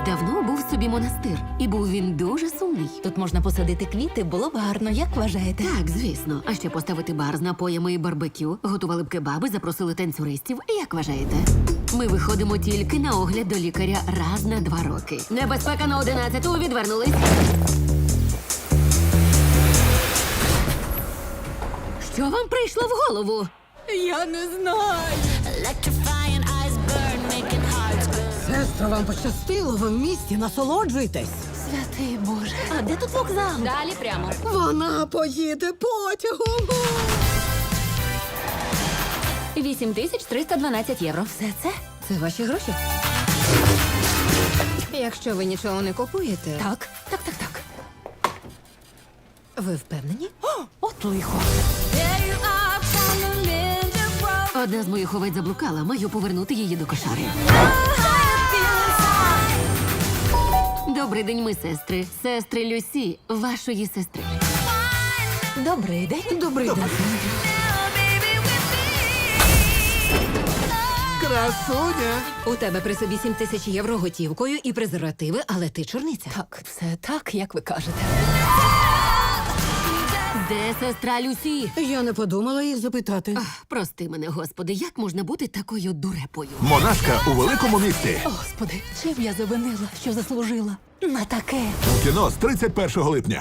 давно був собі монастир, і був він дуже сумний. Тут можна посадити квіти, було б гарно, як вважаєте? Так, звісно. А ще поставити бар з напоями і барбекю, готували б кебаби, запросили танцюристів. Як вважаєте? Ми виходимо тільки на огляд до лікаря раз на 2 роки. Небезпека на 11-ту, відвернулись. Що вам прийшло в голову? Я не знаю. Сестро, вам пощастило, ви в місті, насолоджуйтесь. Святий Боже. А де тут вокзал? Далі прямо. Вона поїде потягом. 8312 євро. Все це? Це ваші гроші? Якщо ви нічого не купуєте, Так. ви впевнені? От лихо. Одна з моїх овець заблукала, маю повернути її до кошари. Добрий день, ми сестри. Сестри Люсі, вашої сестри. Добрий день. Добрий день. Красуня! У тебе при собі 7 тисяч євро готівкою і презервативи, але ти чорниця. Так, все так, як ви кажете. Де сестра Люсі? Я не подумала їх запитати. Прости мене, господи, як можна бути такою дурепою? Монашка у великому місті. Господи, чим я завинила, що заслужила на таке? У кіно з 31 липня.